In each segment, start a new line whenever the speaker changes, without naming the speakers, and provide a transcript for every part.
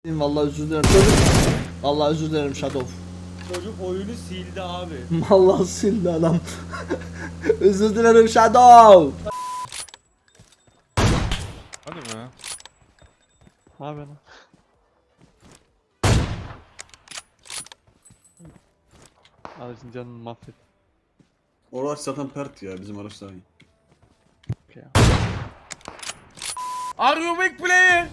Vallahi özür dilerim çocuk. Vallahi özür dilerim Shadow.
Çocuk oyunu sildi abi.
Vallahi sildi adam. Özür dilerim Shadow.
Hadi be.
Ne yapıyorsun? Aracın canını mahvet.
O araç zaten pert ya, bizim araç daha iyi.
Are you big player?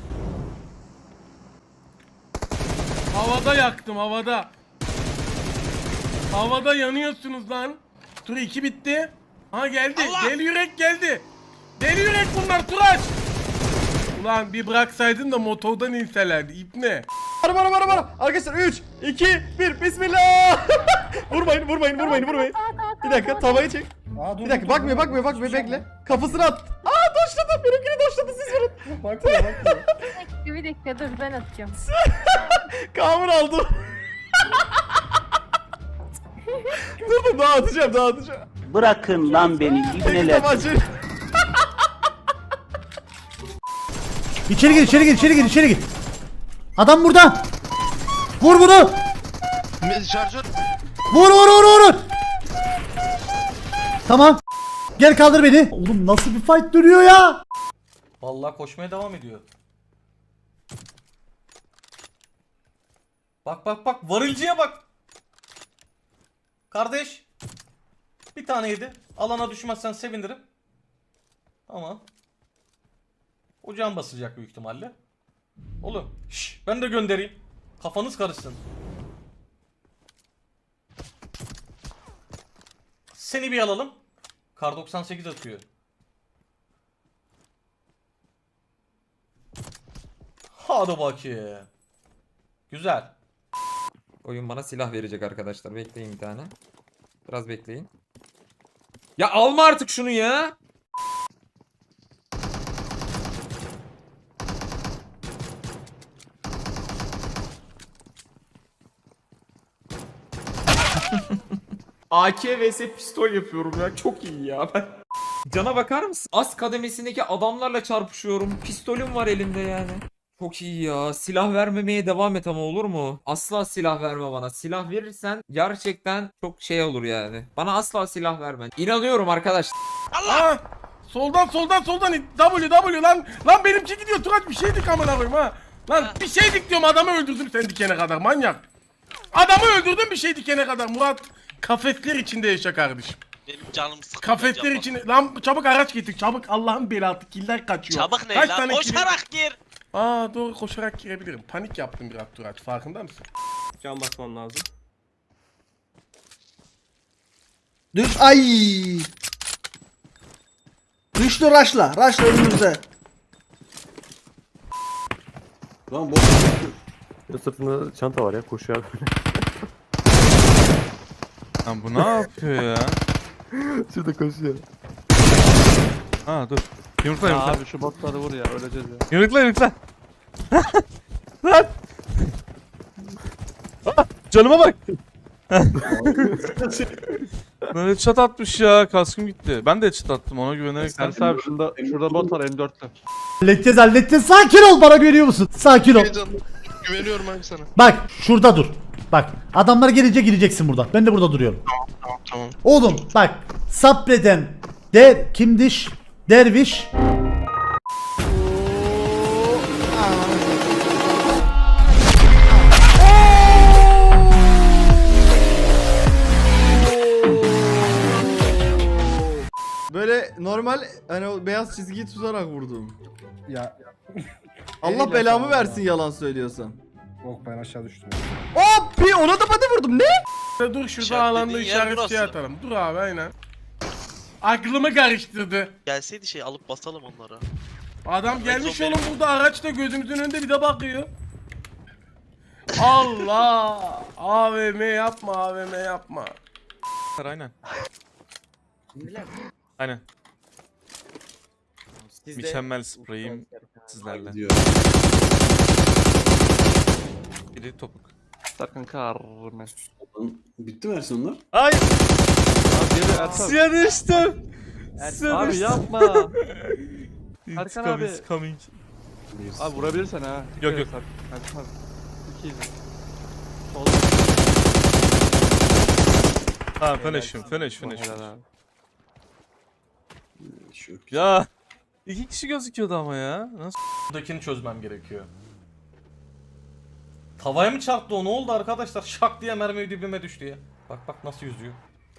Havada yaktım, havada. Havada yanıyorsunuz lan. Tur 2 bitti. Ha geldi. Deli yürek geldi. Deli yürek bunlar Turaç. Ulan bir bıraksaydın da motordan inselerdi. İp ne?
Bara. Arkadaşlar 3, 2, 1. Bismillah. vurmayın. Bir dakika tavayı çek. Bir dakika bakmıyor bekle. Kafasını at. Doşladı. Benimkini doşladı, siz vurun. Bakmıyor.
Bir dakika dur ben atacağım.
Kamur aldım. dur daha atacağım.
Bırakın lan beni ibneler.
İçeri gir. Adam burada. Vur bunu.
Şarjör.
Vur. Tamam. Gel kaldır beni. Oğlum nasıl bir fight duruyor ya?
Vallahi koşmaya devam ediyor. Bak varılcıya bak. Kardeş. Bir tane yedi. Alana düşmezsen sevinirim. Tamam. O can basacak büyük ihtimalle. Oğlum ben de göndereyim. Kafanız karışsın. Seni bir alalım. Kar 98 atıyor. Hadi bakayım. Güzel.
Oyun bana silah verecek arkadaşlar. Bekleyin bir tane. Biraz bekleyin. Ya alma artık şunu ya. AK vs pistol yapıyorum ya. Çok iyi ya ben. Cana bakar mısın? Az kademesindeki adamlarla çarpışıyorum. Pistolüm var elimde yani. Çok iyi ya. Silah vermemeye devam et ama olur mu? Asla silah verme bana. Silah verirsen gerçekten çok şey olur yani. Bana asla silah verme. İnanıyorum arkadaş.
Allah! Soldan W lan. Lan benimki gidiyor Turaç, bir şeydik amına koyayım ha. Lan bir şeydik diyorum, adamı öldürdüm sen dikene kadar manyak. Adamı öldürdüm bir şey dikene kadar Murat. Kafesler içinde yaşa kardeşim.
Benim canım sıkıldı.
Kafesler içinde. Lan çabuk araç getir çabuk, Allah'ın belası, killer kaçıyor.
Çabuk ne
Kaç
lan?
tane
Koşarak gir.
Doğru, koşarak girebilirim. Panik yaptım biraz Turaç, farkında mısın?
Can basmam lazım.
Düş ay. Düştü raşla önümüzde.
Lan boş.
Sırtında çanta var ya, koşuyor böyle.
Lan bu ne yapıyor ya?
Şurada koşuyor.
Ha dur. Yumrukla.
Abi şu botları vur ya, öleceğiz ya.
Yumrukla. Lan. Canıma bak. Böyle çat atmış ya, kaskım gitti. Ben de çat attım, ona güvenerek.
Sersi abi şurada bot var, M4'lü.
Halledeceğiz. Sakin ol, bana görüyor musun? Sakin ol.
Güveniyorum abi sana.
Bak şurada dur. Bak adamlar gelince gireceksin burada. Ben de burada duruyorum.
Tamam.
Oğlum bak, sabreden kimdiş? Derviş.
Böyle normal hani o beyaz çizgiyi tutarak vurdum.
Ya
Allah belamı versin yalan söylüyorsam.
yok, ben aşağı düştüm.
Hop, bir ona da body vurdum, ne?
Dur şurada
İşaretlediğin
alanda
yer
işaretçi
burası.
atalım. Dur abi aynen. Aklımı karıştırdı.
Gelseydi şey alıp basalım onlara.
Adam gelmiş
zombi.
oğlum burada araçta gözümüzün önünde bir de bakıyor. Allah! AVM yapma. Aynen. Aynen. Mükemmel spreyim sizlerle.
Diyor.
Biri topuk.
Sakın karme.
Bitti mi Ersin onlar?
Ay!
Abi geri Ersan.
Suya düştüm.
Abi yapma. Erkan
Intikam
abi.
is coming.
Abi vurabilirsen ha.
Yok, yok.
Ersin abi. 2 izle.
Tamam finish.
Helal abi.
Şu yok.
Ya 2 kişi gözüküyordu ama ya. Nasıl?
Buradakini çözmem gerekiyor. Tavaya mı çarptı o? Ne oldu arkadaşlar? Şak diye mermi dibime düştü ya. Bak nasıl yüzüyor.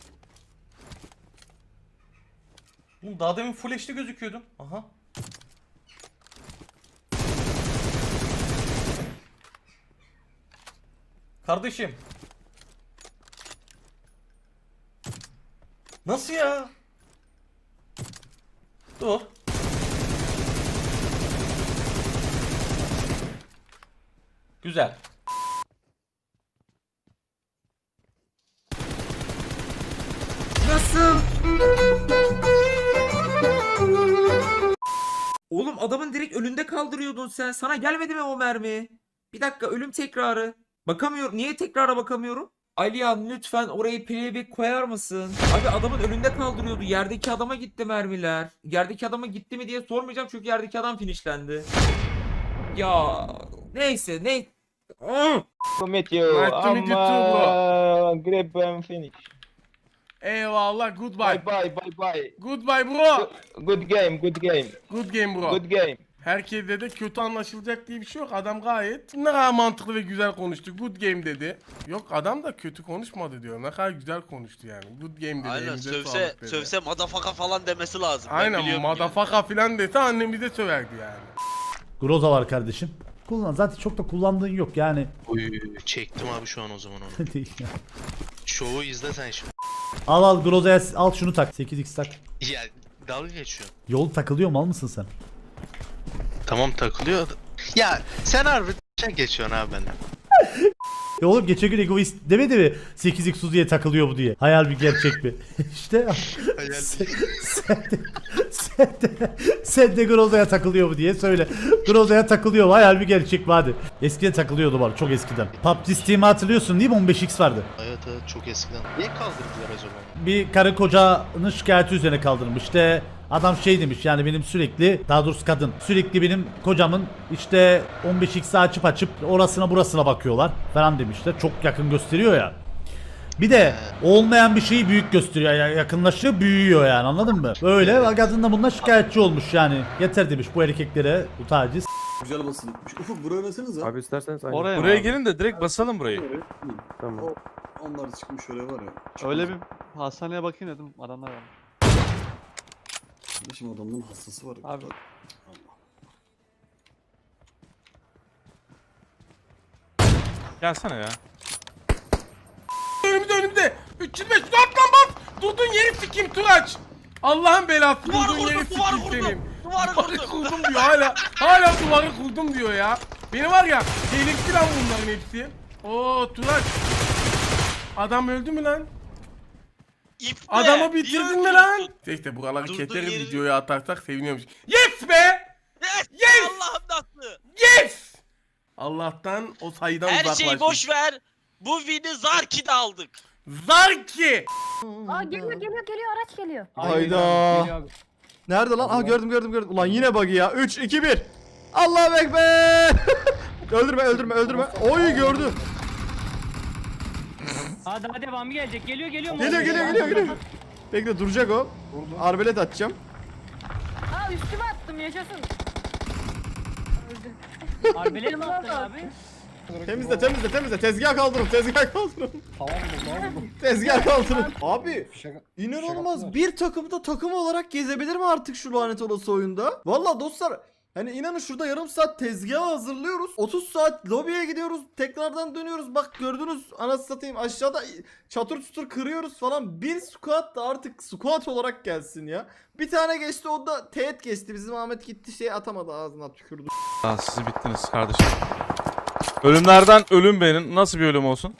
Oğlum daha demin full HD gözüküyordum. Aha. Kardeşim. Nasıl ya? Dur. Güzel.
Nasıl? Oğlum adamın direkt önünde kaldırıyordun sen. Sana gelmedi mi o mermi? Bir dakika ölüm tekrarı. Bakamıyorum. Niye tekrara bakamıyorum? Alihan lütfen orayı playback koyar mısın? Abi adamın önünde kaldırıyordu. Yerdeki adama gitti mermiler. Yerdeki adama gitti mi diye sormayacağım çünkü yerdeki adam finishlendi. Ya neyse ne?
Nice to meet you too, bro.
Grab and finish.
Eyvallah, goodbye.
Bye.
Goodbye bro.
Good game.
Good game bro.
Game.
Herkese de kötü anlaşılacak diye bir şey yok. Adam gayet ne kadar mantıklı ve güzel konuştu. Good game dedi. Yok adam da kötü konuşmadı diyor. Ne kadar güzel konuştu yani. Good game dedi.
Aynen
elinize
sövse
sağlık dedi.
sövse madafaka falan demesi lazım. Ben
Aynen
biliyorum
madafaka filan dese annemize söverdi yani.
Groza var kardeşim. Kullan. Zaten çok da kullandığın yok yani.
Oy çektim abi şu an o zaman onu.
Değil ya.
Şovu izle sen şimdi.
Al Groza'ya al şunu tak. 8x tak.
Ya dalga geçiyor.
Yol takılıyor mal mısın sen?
Tamam takılıyor. Ya sen harbi geçiyorsun abi benden.
Ya oğlum geçen gün egoist demedi mi 8x Uzi'ye takılıyor bu diye. Hayal bir gerçek mi? İşte sen de Groza'ya takılıyor bu diye söyle. Groza'ya takılıyor mu? Hayal bir gerçek mi hadi. Eskiden takılıyordu var çok eskiden. PUBG Steam'i hatırlıyorsun değil mi? 15x vardı.
Evet çok eskiden. Niye kaldırdılar acaba?
Bir karı kocanın şikayeti üzerine kaldırmış. İşte adam şey demiş yani benim sürekli daha doğrusu kadın sürekli benim kocamın işte 15x'i açıp orasına burasına bakıyorlar falan demişler. Çok yakın gösteriyor ya. Bir de olmayan bir şeyi büyük gösteriyor. Yani yakınlaşıyor büyüyor yani anladın mı? Böyle kadın da bundan şikayetçi olmuş yani. Yeter demiş bu erkeklere bu taciz.
Güzel basılıkmış. Ufuk buraya versenize.
Abi isterseniz aynı.
Oraya
Buraya
mı abi?
gelin de direkt basalım burayı.
Evet.
Tamam.
Onlar çıkmış oraya var ya.
Öyle bir hastaneye bakayım dedim. Adamlar var.
Kardeşim adamların hastası var.
Abi.
Gelsene ya.
Önümde. 305 dur lan bas. Durduğun yeri sikeyim Turaç. Allah'ın belası durduğun yeri sikeyim senin.
Duvarı
Kurdum diyor hala duvarı kurdum diyor ya. Beni var ya delirtti lan bunların hepsi. Oo Turaç. Adam öldü mü lan? Adamı bitirdin mi lan? İşte buraları
Durduğun
keteriz
yeri-
videoya atarsak seviniyormuş. Yes be! Yes!
Allah'ım nasıl?
Yes! Allah'tan o sayıdan
Her
uzaklaştık.
şeyi boş ver. Bu win'i Zarki'de aldık.
Zarki!
Aa geliyor araç geliyor.
Hayda. Nerede lan? Aa gördüm. Ulan yine buggy ya. 3 2 1. Allahu ekber. öldürme. Oy gördü.
Hadi devamı gelecek. Geliyor.
Geliyor. Bekle duracak o. Arbelet atacağım.
Aa üstüme attım yaşasın. Öldü.
Arbelet mi attın abi?
Temizle. Tezgah kaldırın. Tezgah kaldırın. Abi inanılmaz bir takımda takım olarak gezebilir mi artık şu lanet olası oyunda? Valla dostlar hani inanın şurada yarım saat tezgahı hazırlıyoruz. 30 saat lobiye gidiyoruz. Tekrardan dönüyoruz. Bak gördünüz anasını satayım aşağıda çatır çutur kırıyoruz falan. Bir squat da artık squat olarak gelsin ya. Bir tane geçti o da teğet geçti. Bizim Ahmet gitti şey atamadı ağzına tükürdü.
Aa, siz bittiniz kardeşim. Ölümlerden ölüm benim. Nasıl bir ölüm olsun?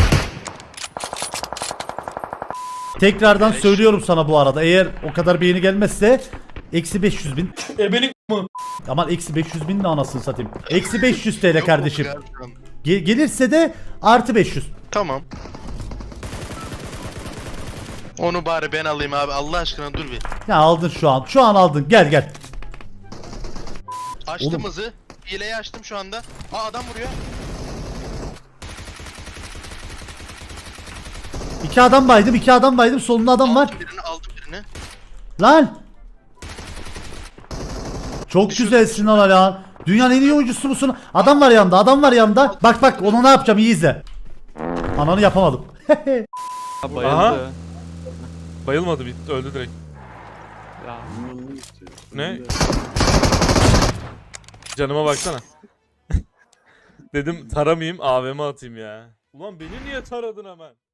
Tekrardan söylüyorum sana bu arada eğer o kadar beğeni gelmezse eksi 500 bin. Aman eksi 500 bin de anasını satayım. Eksi 500 TL kardeşim. Gelirse de artı 500.
Tamam. Onu bari ben alayım abi Allah aşkına dur bir.
Ya aldın şu an. Şu an aldın. Gel.
Açtım
Oğlum.
hızı. Hileyi açtım şu anda. Aa adam vuruyor.
2 adam baydım, 2 adam baydım. Solunda adam var.
Aldım birini.
Lan! Çok güzelsin lan. Dünyanın en iyi oyuncusu musun? Adam var yanımda, adam var yanımda. Bak bak, onu ne yapacağım, iyi izle. Ananı yapamadım.
Ha, bayıldı.
Aha. Bayılmadı, bitti, öldü direkt.
Ya.
Ne? Canıma baksana. Dedim taramayayım, AVM atayım ya. Ulan beni niye taradın hemen?